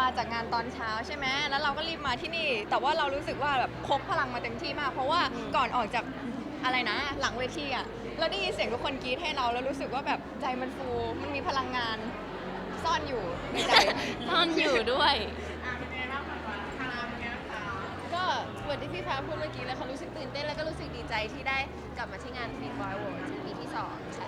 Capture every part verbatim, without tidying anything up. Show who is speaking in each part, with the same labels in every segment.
Speaker 1: จากงานตอนเช้าใช่ไหมแล้วเราก็รีบมาที่นี่ แต่ว่าเรารู้สึกว่าแบบพกพลังมาเต็มที่มาก เพราะว่าก่อนออกจากอะไรนะ หลังเวทีอ่ะเราได้ยินเสียงทุกคนกรี๊ดให้เราแล้วรู้สึกว่าแบบใจมันฟูมันมีพลังงานซ่อนอยู่ในใจ
Speaker 2: ซ่อนอยู่ด้วย
Speaker 3: ก็เหมือนที่พี่ฟ้าพูดเมื่อกี้แล้วเขารู้สึกตื่นเต้นแล้วก็รู้สึกดีใจที่ได้กลับมาที่งาน Fit Boy World ปีที่สองค่ะ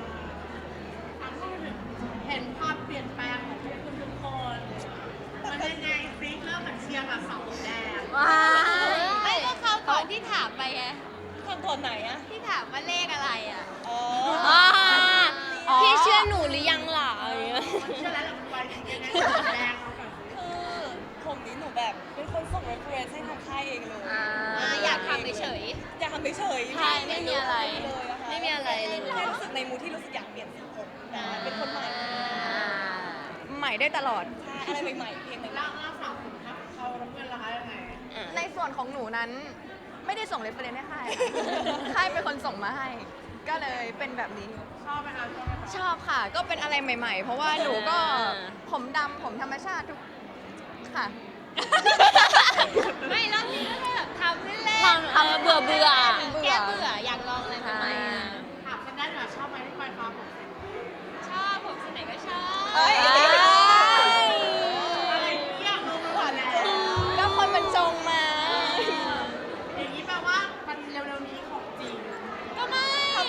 Speaker 4: เห็นความเปลี่ยนแปลงของพวกคุณทุกคน มันยังไงซิเริ่มจากเชียร์กับเสาแดง
Speaker 3: ว้า
Speaker 2: ไม่ก็เขาก่อนที่ถามไปไง
Speaker 4: ทำตอนไหนอะ
Speaker 2: ที่ถามว่าเลขอะไรอ่ะ
Speaker 4: อ๋อ
Speaker 2: อ่า
Speaker 1: อ๋อ
Speaker 2: พี่เชื่อหนูหรือยังล่ะอะไรเงี้ย
Speaker 4: เชื่อแล้วแหละมันไปจริงๆยังไงเสาแดงเอาก่อน
Speaker 5: คือผมนี้หนูแบบเป็นคนส่ง reference ให้ทางค่ายเองเลย
Speaker 3: อ่า
Speaker 2: อยากทำเฉย
Speaker 5: อยากทำเฉยๆ
Speaker 2: ใช่ไม่มีอะไร
Speaker 5: เลยอะค่ะ
Speaker 2: ไม่มีอะไรเลย
Speaker 5: แค่รู้สึกในมูดที่รู้สึกอยากเปลี่ยนสีผมนะเป็นคนใหม่
Speaker 1: ใหม่ได้ตลอด
Speaker 5: ใช่อะไรใหม่ๆเพลงใหม่
Speaker 4: แล้วแล้วฝั่งคุณครับเขาน้ำเงินราคายังไง
Speaker 1: ในส่วนของหนูนั้นไม่ได้ส่งเรฟเฟรนซ์ให้ค่ายค่ะค่ายเป็นคนส่งมาให้ ก็เลยเป็นแบบนี้
Speaker 4: ชอบไหมคะชอบไหมคะ
Speaker 1: ชอบค่ะ ก็เป็นอะไรใหม่ ๆ เพราะว่าหนูก็ผมดำผมธรรมชาติทุกค่ะ
Speaker 2: ไม่รอบนี้ก็แค่แบบทำเล่นๆ
Speaker 1: ทำทำ
Speaker 2: เบื่อเบื่อ
Speaker 1: เบื่อ
Speaker 2: แก้เบื่ออยากลองอะไรใหม่ๆอ่ะ
Speaker 4: ถามฉันได้เหรอชอบไหมที่ปล่อยฟ้าผมเสร็จ
Speaker 2: ชอบผมสีไหนก็ชอบ
Speaker 1: เอ้ย
Speaker 4: อะไรที่อยากรู้ก่อนแล้ว
Speaker 1: ก็คนมันจงมา
Speaker 4: อย่างนี้แปลว่ามันเร็วๆนี้ของจริง
Speaker 2: ก็ไม่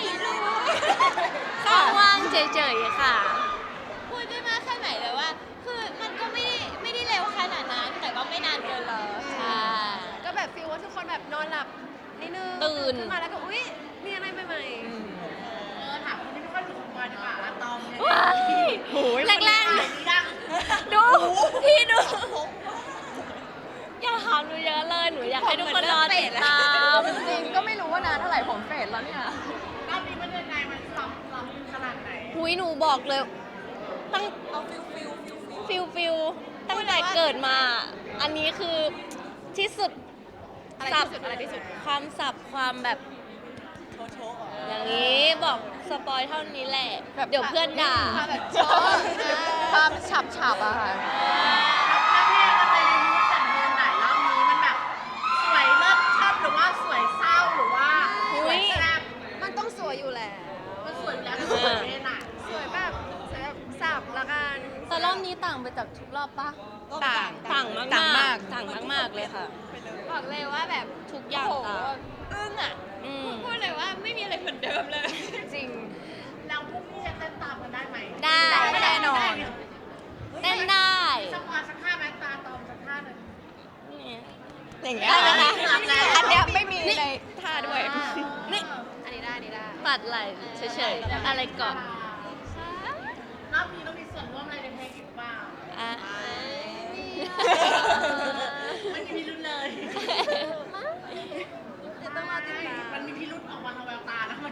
Speaker 2: ก็ว่างเฉยๆค่ะ พูดได้มากแค่ไหนเลยว่า คือมันก็ไม่ได้ไม่ได้เร็วขนาดนั้น แต่ก็ไม่นานเกินรอใช่
Speaker 3: ก็แบบฟีลว่าทุกคนแบบนอนหลับนิดนึง
Speaker 2: ตื่น
Speaker 3: ขึ้นมาแล้วก็อุ๊ยมีอะไรใหม่
Speaker 4: เออถามคนที่ไม่ค่อยถูกของบอยดีกว่าอะตอมเนี่ย
Speaker 2: ว้าย
Speaker 1: โอ้ย
Speaker 2: แรก
Speaker 4: ดีดัง
Speaker 2: ๆดู พี่ดู อย่าถามหนูเยอะเลย หนูอยากให้ทุกคนรอติดตาม
Speaker 1: จริงก็ไม่รู้ว่านานเท่าไหร่ผมเฟดแล้วเนี่ย
Speaker 4: รอบนี้มันยังไงมันสอบสอบขนาดไหน
Speaker 2: หุยหนูบอกเลย ตั้ง
Speaker 5: เอาฟิลฟิลฟิลฟิล
Speaker 2: ฟิลฟิลตั้งแต่เกิดมา อันนี้คือที่สุด
Speaker 3: ๆ อะไร
Speaker 2: สั
Speaker 3: ที่สุดอะไรที่สุด
Speaker 2: ความสับความแบบ
Speaker 5: โชว์โชว์อ่ะ
Speaker 2: อย่างนี้บอกสปอยเท่านี้แหละ
Speaker 1: แบบ
Speaker 2: เดี๋ยวเพื่อนด่า
Speaker 3: ความแบบชอบ
Speaker 1: ความฉับฉับๆอะค่ะ
Speaker 4: แล้วเพลงมันในมูดแต่เพลงไหนรอบนี้มันแบบสวยเลิศชอบหรือว่าสวยเศร้าหรือว่าสวยแซ่บ
Speaker 3: มันต้องสวยอยู่แล้ว
Speaker 4: มันสวยอยู่แล้วมันสวยเพลงไหน
Speaker 3: สวยแบบสวยแบบสับละกัน
Speaker 2: แต่รอบนี้ต่างไปจากทุกรอบปะ
Speaker 1: ต่าง
Speaker 2: ต่างมาก
Speaker 1: ต่างมาก
Speaker 2: ต่างมากๆเลยค่ะ
Speaker 3: บอกเลยว่าแบบ
Speaker 2: ทุกอย่าง
Speaker 3: โอ้โห
Speaker 2: ต่าง
Speaker 3: อึ้งอ่ะ
Speaker 2: อืม
Speaker 3: พูดเลยว่าไม่มีอะไรเหมือนเดิมเลย
Speaker 1: จริง
Speaker 4: แล้วพวกพี่จะเต้นตามกันได้ไหม
Speaker 2: ได้
Speaker 1: ได้แน่นอน
Speaker 2: เต้นได้
Speaker 4: สักวันสักท่าไหมตาตอมสักท่าหนึ่ง
Speaker 1: อย่างเงี้ย
Speaker 2: ได้ไหม
Speaker 1: อันเนี้ยไม่มีในท่าด้วย
Speaker 2: นี่
Speaker 3: อันนี้ได้อันนี้ได้
Speaker 2: ปัดไหลเฉยๆ อะไรก่อน
Speaker 4: รอบนี้ต้องมีส่วนร่วมอะไรในเพลงอีกเปล่า
Speaker 2: อ่ะ
Speaker 4: ไม่มีพิรุธเลย
Speaker 3: จะต้องรอติดตาม
Speaker 4: มันมีพิรุธออกมาทางแววตานะมัน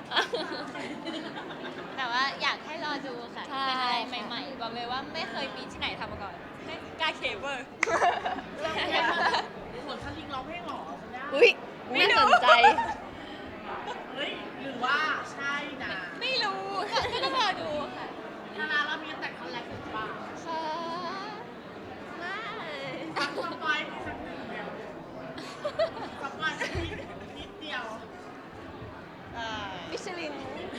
Speaker 2: แต่ว่าอยากให้รอดูค่ะ เป็นอะไรใหม่ๆ บอกเลยว่าไม่เคยมีที่ไหนทำมาก่อน
Speaker 5: กาเคเวอร์
Speaker 4: เหมือนคันลิงร้องเพลงหรอคุณย่า
Speaker 1: อุ้ยน่าสนใจ
Speaker 4: เฮ้ยหรือว่าใช่นะ
Speaker 2: ไม่รู้ก็ก็ต้องรอดูค่ะ
Speaker 4: นานๆเรามีแต่คอนแลบหรือเปล่า
Speaker 2: ค่ะ
Speaker 3: ไม่
Speaker 4: ฟังสปอยล์ให้สักหนึ่งเดียวสปอยล์สักนิดนิดเดียว
Speaker 5: อ่า
Speaker 3: มิชลิน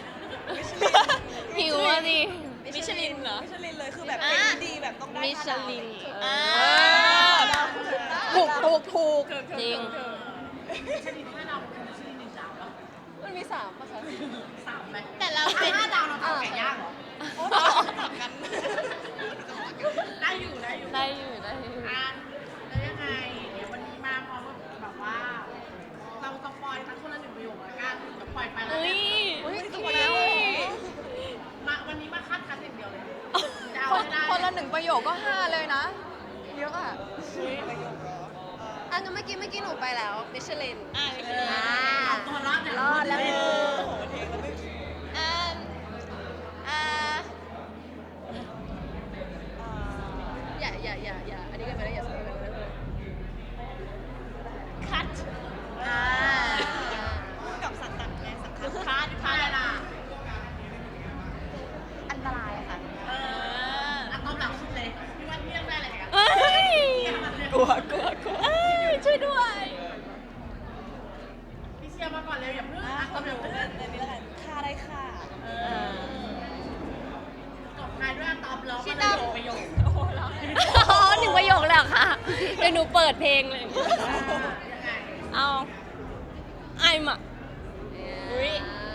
Speaker 2: หิวอ่ะดิ
Speaker 5: มิชลินเหรอ มิชลินเลยคือแบบ
Speaker 2: อ่ะ
Speaker 5: เพลงดีแบบต้องได้
Speaker 2: มิช
Speaker 5: ห้าดาว
Speaker 2: ลิน
Speaker 5: อ่า
Speaker 1: ถูกถูกถูก
Speaker 2: จริง
Speaker 4: ชนิดห้าดาวเป็นชนิดหนึ่งดาวแล้ว
Speaker 3: มันมีสามป่ะคะ
Speaker 4: สามไหม
Speaker 2: แต่เราเป็น
Speaker 4: ห้าดาวเราทำไก่ย่างเหรอ
Speaker 5: โอ้ต้องกลับกัน
Speaker 4: ได้อยู่ได้อยู่
Speaker 2: ได้อยู่ได้อยู่
Speaker 4: อ่ะแล้วยังไง เดี๋ยววันนี้มาพร้อมกับแบบว่า เราสปอยล์ทั้งคนละหนึ่งประโยคละกันจะปล่อยไปแล้ว
Speaker 2: อุ้ย
Speaker 4: เนี่ย
Speaker 1: อุ้ย
Speaker 4: สปอยล์แล้วมาวันนี้มาคัดคัดอย่างเดียวเลยจะเอา
Speaker 1: คน
Speaker 4: ให้ได้
Speaker 1: คนละหนึ่งประโยคก็ห้าเลยนะ เยอะอ่ะ
Speaker 3: อันนั้นเมื่อกี้เมื่อกี้หนูไปแล้วมิชลิน
Speaker 2: อ่ะ
Speaker 4: เออเอาตัวรอดเนี่ย
Speaker 3: รอดแล้ว
Speaker 4: เออ
Speaker 5: โอ้โหเพลงแล้วไม่
Speaker 2: อ่าอ่า
Speaker 3: อย่าอย่าอย่าอย่าอันนี้กันไปแล้วอย่าสปอยกันไปเลย
Speaker 2: คัด
Speaker 3: อ่า
Speaker 5: กับสังกัดไงสังกัด
Speaker 4: คัดคัดอะไรล่ะ
Speaker 1: อันตรายค่ะ
Speaker 4: เอออ่ะตอบหลังสุดเลยพี่ว่าพี่เลือกได้อะไรกัน
Speaker 2: เอ้ย
Speaker 5: เอาหนูเป็นในนี้แล้วกันค่าได้ค่ะ
Speaker 4: ตบท้ายด้วยอะตอมร้อง
Speaker 2: ชิ
Speaker 4: มา
Speaker 2: ต้
Speaker 4: เล
Speaker 2: อม
Speaker 4: ยประโยค
Speaker 2: อ๋อหนึ่งประโยคเลยเหรอค่ะเดี๋ยวหนูเปิดเพลงเลย
Speaker 4: ยังไง
Speaker 2: เอาไอมอ่ะอุ้ย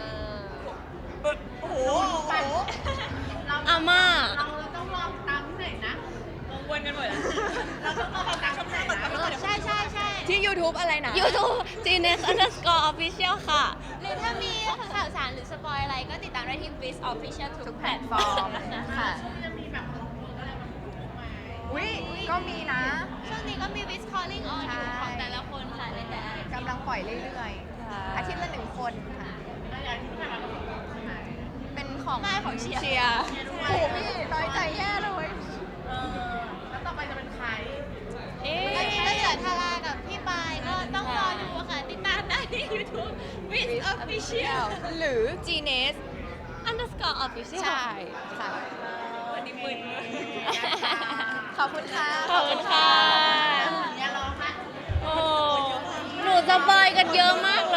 Speaker 5: โอ้โห
Speaker 4: ไปเรา
Speaker 2: อาม่า
Speaker 4: เราต้องลองตามที่ไหนนะ
Speaker 5: วนกันหมดแล้ว
Speaker 4: เราต้องลองตามช่องทางไหนนะ
Speaker 2: ใช่ใช่ใช่
Speaker 1: ที่ YouTube อะไรนะ
Speaker 2: YouTube Genius Underscore Official ค่ะ หรือถ้ามีข่าวสารหรือสปอยอะไรก็ติดตามได้ที่ Biz Official ทุกแพลตฟอร์มค่ะ
Speaker 4: ช่วงนี้จะมีแบบลงมืออะไรแบบนี้ไหม
Speaker 1: อุ้ยก็มีนะ
Speaker 2: ช่วงนี้ก็มี Biz Calling On อยู่ของแต่ละคนค่ะในแต่ละ
Speaker 1: กำลังปล่อยเรื่อยๆ อาทิตย์ละหนึ่งคนค่ะ
Speaker 4: แล้วอย่างที่ผ่านมาเราสองคนใช่ไหม
Speaker 1: เป็นของ
Speaker 2: ไม่ของเชียร์
Speaker 1: เชียร์โอ้โหพี่น้อยใจแย่เลย
Speaker 4: เออแล้วต่อไปจะเป็นใคร
Speaker 2: เอ๊ะก็เหลือทารากับพี่ปายก็ต้องรอดูค่ะ ติดตามได้ที่ YouTube Biz Official
Speaker 1: หรือ Genius
Speaker 2: Underscore Official
Speaker 1: ใช่ค่ะ
Speaker 5: วันนี้มึน
Speaker 1: ขอบคุณค่ะ
Speaker 2: ขอบคุณค่ะ
Speaker 4: อย่าร้องนะ
Speaker 2: โอ้ หนูสปอยกันเยอะมาก